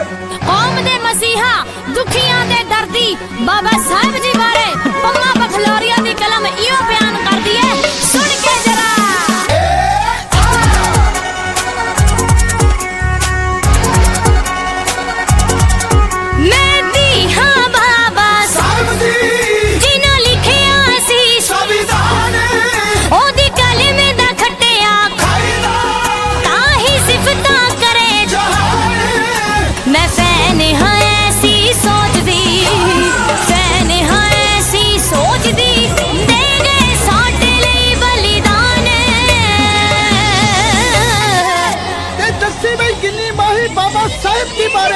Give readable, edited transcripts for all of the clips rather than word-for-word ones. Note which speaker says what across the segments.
Speaker 1: कौम दे मसीहा दुखियां दे दर्दी बाबा साहब जी बारे पम्मा बखलोरिया दी कलम इहो बयान कर दी है, सुन के जरा। मैं दी हां बाबा साहब जी जिन्हों लिखिया सी संविधान ओदी कलम दा खट्टिया खाईदा ताही सिफता करे जहान। मैं फैन हां ऐसी सोचदी, फैन हां ऐसी सोचदी दे गए साडे लई बलिदान।
Speaker 2: ते दस्सी बई किन्नी माही बाबा साहब जी बारे।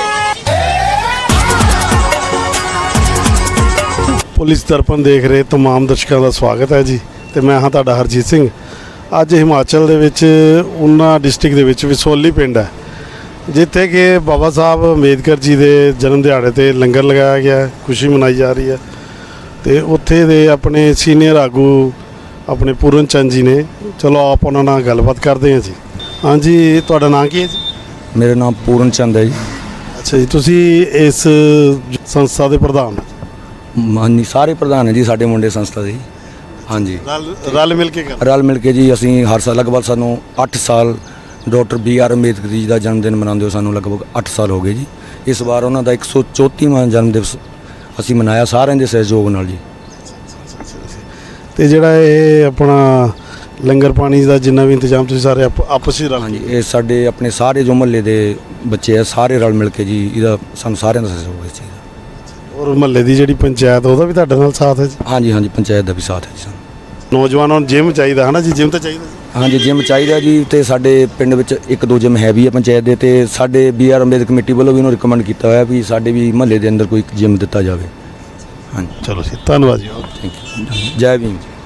Speaker 3: ਪੁਲਿਸ ਦਰਪਣ ਦੇਖ ਰਹੇ तमाम ਦਰਸ਼ਕਾਂ ਦਾ ਸਵਾਗਤ ਹੈ ਜੀ ਤੇ ਮੈਂ ਹਾਂ ਤੁਹਾਡਾ ਹਰਜੀਤ ਸਿੰਘ। ਅੱਜ ਹਿਮਾਚਲ ਦੇ ਵਿੱਚ ਊਨਾ ਡਿਸਟ੍ਰਿਕਟ ਦੇ ਵਿੱਚ ਵਿਸੋਲੀ ਪਿੰਡ ਹੈ ਜਿੱਥੇ ਕਿ ਬਾਬਾ ਸਾਹਿਬ ਅੰਬੇਦਕਰ ਜੀ ਦੇ ਜਨਮ ਦਿਹਾੜੇ ਤੇ ਲੰਗਰ ਲਗਾਇਆ ਗਿਆ ਹੈ, ਖੁਸ਼ੀ ਮਨਾਈ ਜਾ ਰਹੀ ਹੈ ਤੇ ਉੱਥੇ ਦੇ ਆਪਣੇ ਸੀਨੀਅਰ ਆਗੂ ਆਪਣੇ ਪੂਰਨ ਚੰਦ ਜੀ ਨੇ। ਚਲੋ ਆਪ ਉਹਨਾਂ ਨਾਲ ਗੱਲਬਾਤ ਕਰਦੇ ਹਾਂ ਜੀ। ਹਾਂਜੀ, ਤੁਹਾਡਾ ਨਾਂ ਕੀ ਹੈ ਜੀ?
Speaker 4: ਮੇਰਾ ਨਾਮ ਪੂਰਨ ਚੰਦ ਹੈ ਜੀ।
Speaker 3: ਅੱਛਾ ਜੀ, ਤੁਸੀਂ ਇਸ ਸੰਸਥਾ ਦੇ ਪ੍ਰਧਾਨ ਹੋ?
Speaker 4: ਹਾਂਜੀ, ਸਾਰੇ ਪ੍ਰਧਾਨ ਹੈ ਜੀ ਸਾਡੇ ਮੁੰਡੇ ਸੰਸਥਾ ਦੇ। ਹਾਂਜੀ,
Speaker 3: ਰਲ ਮਿਲ ਕੇ ਕਰ
Speaker 4: ਰਲ ਮਿਲ ਕੇ ਜੀ ਅਸੀਂ ਹਰ ਸਾਲ ਲਗਭਗ ਸਾਨੂੰ 8 ਸਾਲ ਡਾਕਟਰ BR ਅੰਬੇਦਕਰ ਜੀ ਦਾ ਜਨਮ ਦਿਨ ਮਨਾਉਂਦੇ ਹੋ ਸਾਨੂੰ ਲਗਭਗ 8 ਸਾਲ ਹੋ ਗਏ ਜੀ। ਇਸ ਵਾਰ ਉਹਨਾਂ ਦਾ 134ਵਾਂ ਜਨਮ ਦਿਵਸ ਅਸੀਂ ਮਨਾਇਆ ਸਾਰਿਆਂ ਦੇ ਸਹਿਯੋਗ ਨਾਲ ਜੀ।
Speaker 3: ਤੇ ਜਿਹੜਾ ਇਹ ਆਪਣਾ ਲੰਗਰ ਪਾਣੀ ਦਾ ਜਿੰਨਾ ਵੀ ਇੰਤਜ਼ਾਮ ਤੁਸੀਂ ਸਾਰੇ ਆਪਸ ਵਿੱਚ
Speaker 4: ਹਾਂਜੀ, ਇਹ ਸਾਡੇ ਆਪਣੇ ਸਾਰੇ ਜੋ ਮੁਹੱਲੇ ਦੇ ਬੱਚੇ ਆ ਸਾਰੇ ਰਲ ਮਿਲ ਕੇ ਜੀ ਇਹਦਾ ਸਾਨੂੰ ਸਾਰਿਆਂ ਦਾ ਸਹਿਯੋਗ ਹੈ ਜੀ।
Speaker 3: ਔਰ ਮਹੱਲੇ ਦੀ ਜਿਹੜੀ ਪੰਚਾਇਤ ਉਹਦਾ ਵੀ ਤੁਹਾਡੇ ਨਾਲ ਸਾਥ ਹੈ ਜੀ?
Speaker 4: ਹਾਂਜੀ ਹਾਂਜੀ, ਪੰਚਾਇਤ ਦਾ ਵੀ ਸਾਥ ਹੈ ਜੀ ਸਾਨੂੰ।
Speaker 3: ਨੌਜਵਾਨਾਂ ਨੂੰ ਜਿਮ ਚਾਹੀਦਾ ਹੈ ਨਾ ਜੀ? ਜਿਮ ਤਾਂ ਚਾਹੀਦਾ ਜੀ।
Speaker 4: ਹਾਂਜੀ, ਜਿਮ ਚਾਹੀਦਾ ਜੀ ਤੇ ਸਾਡੇ ਪਿੰਡ ਵਿੱਚ 1-2 ਜਿਮ ਹੈ ਵੀ ਆ ਪੰਚਾਇਤ ਦੇ ਤੇ ਸਾਡੇ BR ਅੰਬੇਦਕਰ ਕਮੇਟੀ ਵੱਲੋਂ ਵੀ ਉਹਨੂੰ ਰਿਕਮੈਂਡ ਕੀਤਾ ਹੋਇਆ ਵੀ ਸਾਡੇ ਵੀ ਮਹੱਲੇ ਦੇ ਅੰਦਰ ਕੋਈ ਜਿਮ ਦਿੱਤਾ ਜਾਵੇ। ਹਾਂਜੀ,
Speaker 3: ਚਲੋ ਜੀ, ਧੰਨਵਾਦ ਜੀ।
Speaker 4: Thank you. ਜੈ ਭੀਮ ਜੀ।